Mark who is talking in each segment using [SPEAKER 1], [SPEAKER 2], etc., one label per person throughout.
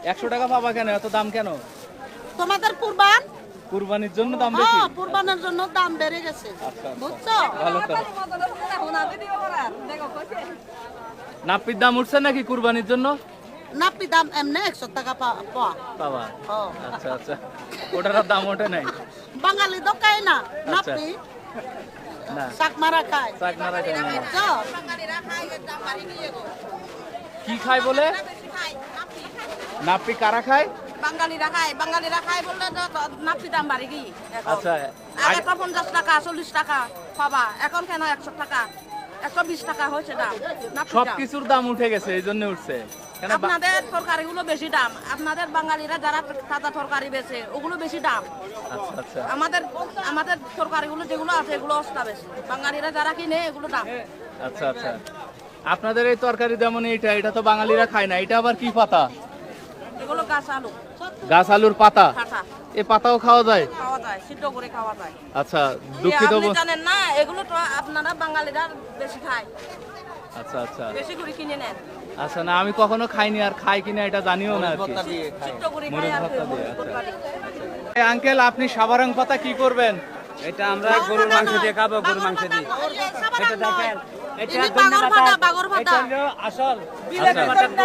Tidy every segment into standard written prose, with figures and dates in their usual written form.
[SPEAKER 1] 100 টাকা পাবা কেন? এত দাম কেন?
[SPEAKER 2] তোমাদের কুরবান,
[SPEAKER 1] কুরবানির জন্য দাম বেশি?
[SPEAKER 2] হ্যাঁ কুরবানের জন্য দাম বেড়ে গেছে,
[SPEAKER 1] আচ্ছা,
[SPEAKER 2] বুঝছো?
[SPEAKER 1] ভালো তো। নাপির দাম উঠছে নাকি কুরবানির জন্য?
[SPEAKER 2] নাপি দাম এমনি 100 টাকা পাওয়া।
[SPEAKER 1] বাবা,
[SPEAKER 2] ও
[SPEAKER 1] আচ্ছা আচ্ছা, ওটার আর দাম ওঠে নাই?
[SPEAKER 2] বাঙালি তো খায় না
[SPEAKER 1] আচ্ছা।
[SPEAKER 2] নাপি,
[SPEAKER 1] না,
[SPEAKER 2] চাকমারা খায়,
[SPEAKER 1] চাক মারা যায় না।
[SPEAKER 2] বুঝছো?
[SPEAKER 1] কি খায় বলে? নাপি কারা খায়?
[SPEAKER 2] বাঙালিরা খায় বললে তো নাপি দাম বাড়ি গিয়ে
[SPEAKER 1] আচ্ছা,
[SPEAKER 2] আগে তো 50 টাকা 40 টাকা পাবা, এখন কেন 100 টাকা 120 টাকা হয়েছে দাম। নাপির দাম।
[SPEAKER 1] সবকিছুর দাম উঠে গেছে, এই জন্য উঠছে কেন?
[SPEAKER 2] আপনাদের তরকারিগুলো বেশি দাম, আপনাদের বাঙালিরা যারা তাজা তরকারি বেচে ওগুলো বেশি দাম।
[SPEAKER 1] আচ্ছা আচ্ছা
[SPEAKER 2] আমাদের আমাদের তরকারিগুলো যেগুলো আছে এগুলো সস্তা বেশি, বাঙালিরা যারা কিনে এগুলো দাম।
[SPEAKER 1] আচ্ছা আচ্ছা। আপনাদের এই তরকারি যেমন এটা তো বাঙালিরা খায় না, এটা আবার কি পাতা?
[SPEAKER 2] এগুলো গাছ আলু
[SPEAKER 1] গাছ আলুর পাতা?
[SPEAKER 2] কাঁচা
[SPEAKER 1] এ পাতাও খাওয়া যায়?
[SPEAKER 2] খাওয়া যায়, সিদ্ধ করে খাওয়া যায়।
[SPEAKER 1] আচ্ছা, দুঃখিত।
[SPEAKER 2] আপনি জানেন না এগুলো তো আপনারা বাঙালিরা বেশি খায়,
[SPEAKER 1] আচ্ছা আচ্ছা
[SPEAKER 2] বেশি করে কিনে নেন,
[SPEAKER 1] আচ্ছা। না, আমি কখনো খাইনি, আর খাই কিনা এটা জানিও না আর কি।
[SPEAKER 2] সিদ্ধ করে খায়
[SPEAKER 1] মরিচ
[SPEAKER 2] আর
[SPEAKER 1] ভর্তা দিয়ে, আচ্ছা।
[SPEAKER 2] তরকারি।
[SPEAKER 1] আঙ্কেল, আপনি সাবারাং পাতা কি করবেন?
[SPEAKER 3] এটা আমরা গরুর মাংস দিয়ে খাবো, গরুর মাংস দিয়ে। এটা দেখেন, এটা
[SPEAKER 2] ইনি
[SPEAKER 3] ধন্যবাদ।
[SPEAKER 2] বাগর ভাতা।
[SPEAKER 3] এটা হলো আসল
[SPEAKER 1] বিলাতি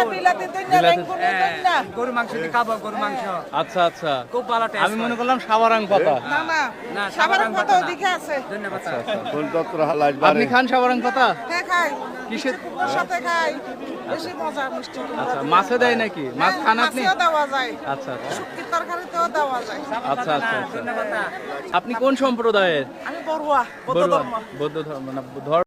[SPEAKER 3] হ্যাঁ, গরুর মাংস দিয়ে খাবো, গরুর মাংস
[SPEAKER 1] আচ্ছা আচ্ছা,
[SPEAKER 3] খুব ভালো টেস্ট।
[SPEAKER 1] আমি মনে করলাম সাবারাং পাতা।
[SPEAKER 3] না, সাবারাং পাতা ওদিকে আছে। ধন্যবাদ।
[SPEAKER 1] আচ্ছা আচ্ছা, আপনি খান সাবারাং পাতা?
[SPEAKER 4] হ্যাঁ খাই,
[SPEAKER 1] কিসের?
[SPEAKER 4] সাথে খাই, বেশি মজা মিষ্টি।
[SPEAKER 1] আচ্ছা, মাছে দেয় নাকি? মাছ খান আপনি?
[SPEAKER 4] মাছেও দেওয়া যায়,
[SPEAKER 1] আচ্ছা আচ্ছা
[SPEAKER 4] শুটকির তরকারিতেও দেওয়া যায়।
[SPEAKER 1] আচ্ছা আচ্ছা আচ্ছা।
[SPEAKER 3] ধন্যবাদ।
[SPEAKER 1] আপনি কোন সম্প্রদায়ের?
[SPEAKER 4] আমি বড়ুয়া, বৌদ্ধ
[SPEAKER 1] বড়ুয়া?
[SPEAKER 4] ধর্ম।
[SPEAKER 1] বৌদ্ধ ধর্ম না ধর্ম